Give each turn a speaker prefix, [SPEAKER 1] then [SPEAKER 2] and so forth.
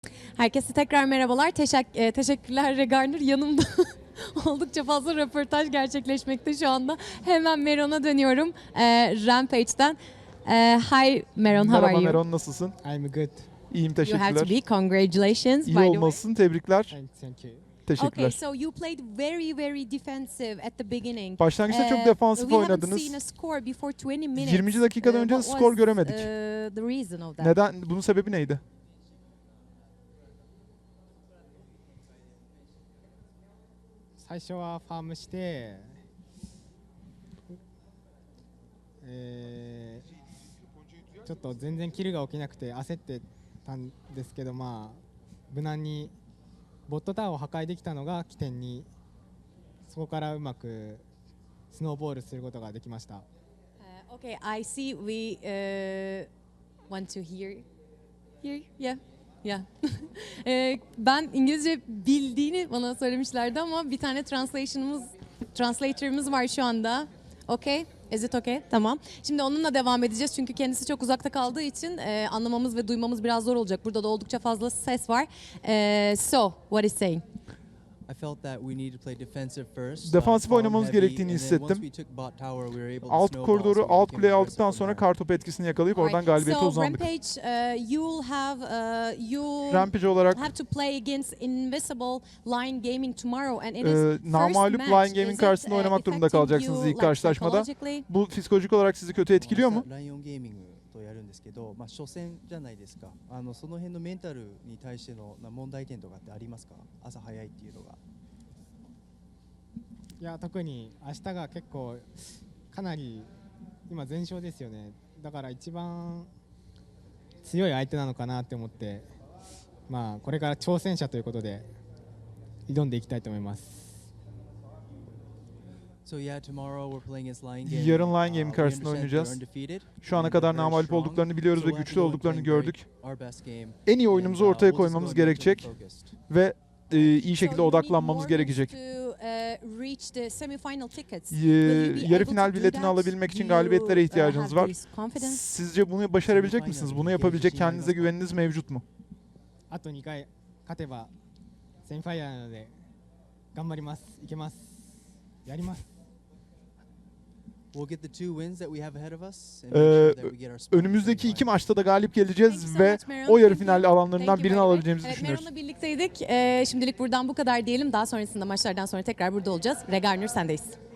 [SPEAKER 1] Herkese tekrar merhabalar. Teşekkürler Regarner. Yanımda oldukça fazla röportaj gerçekleşmekte şu anda. Hemen Meron'a dönüyorum. Rampage'den. Hi Meron, how are
[SPEAKER 2] Merhaba
[SPEAKER 1] you?
[SPEAKER 2] Meron, nasılsın?
[SPEAKER 3] I'm good.
[SPEAKER 2] İyiyim,
[SPEAKER 1] You have to
[SPEAKER 2] teşekkürler.
[SPEAKER 1] be. Congratulations.
[SPEAKER 2] İyi
[SPEAKER 1] by the way.
[SPEAKER 2] olmalısın, tebrikler.
[SPEAKER 3] Thank you.
[SPEAKER 2] Teşekkürler.
[SPEAKER 1] Okay, so you played very defensive at the beginning.
[SPEAKER 2] Başlangıçta çok defansif
[SPEAKER 1] We haven't
[SPEAKER 2] oynadınız.
[SPEAKER 1] seen a score before 20 minutes.
[SPEAKER 2] 20. dakikadan önce
[SPEAKER 1] What
[SPEAKER 2] skor
[SPEAKER 1] was,
[SPEAKER 2] göremedik.
[SPEAKER 1] The reason of that?
[SPEAKER 2] Neden? Bunun sebebi neydi?
[SPEAKER 3] 最初はファームして、ちょっと全然キルが起きなくて焦ってたんですけど、まあ無難にボットタワーを破壊できたのが起点に、そこからうまくスノーボールすることができました。
[SPEAKER 1] Okay, I see. We want to hear. Yeah. Yeah. Ben İngilizce bildiğini bana söylemişlerdi ama bir tane translator'ımız var şu anda. Okay? Is it okay? Tamam. Şimdi onunla devam edeceğiz çünkü kendisi çok uzakta kaldığı için anlamamız ve duymamız biraz zor olacak. Burada da oldukça fazla ses var. So, what is saying?
[SPEAKER 2] Defansif oynamamız gerektiğini hissettim. Alt koridoru, alt kuleyi aldıktan sonra kartopu etkisini yakalayıp oradan galibiyete uzandık. Rampage olarak namağlup Lion Gaming karşısında oynamak durumunda kalacaksınız ilk karşılaşmada. Bu psikolojik olarak sizi kötü etkiliyor mu?
[SPEAKER 4] とやるんですけど、初戦じゃないですか。その辺のメンタルに対しての問題点とかってありますか？朝早いっていうのが。
[SPEAKER 3] いや特に明日が結構かなり今全勝ですよね。だから一番強い相手なのかなって思って、まあこれから挑戦者ということで挑んでいきたいと思います。
[SPEAKER 2] Yarın Lion Gaming karşısında oynayacağız. Şu ana kadar namağlup olduklarını biliyoruz ve güçlü olduklarını gördük. En iyi oyunumuzu ortaya koymamız gerekecek ve iyi şekilde odaklanmamız gerekecek. Yarı final biletini alabilmek için galibiyetlere ihtiyacınız var. Sizce bunu başarabilecek misiniz? Bunu yapabilecek kendinize güveniniz mevcut mu?
[SPEAKER 3] あと2回勝てばセミファイナルなので頑張ります。いけます。やります。
[SPEAKER 2] Önümüzdeki iki maçta da galip geleceğiz ve o yarı final alanlarından birini alabileceğimizi düşünüyoruz.
[SPEAKER 1] Meron'la birlikteydik. Şimdilik buradan bu kadar diyelim. Daha sonrasında maçlardan sonra tekrar burada olacağız. Regarner sendeyiz.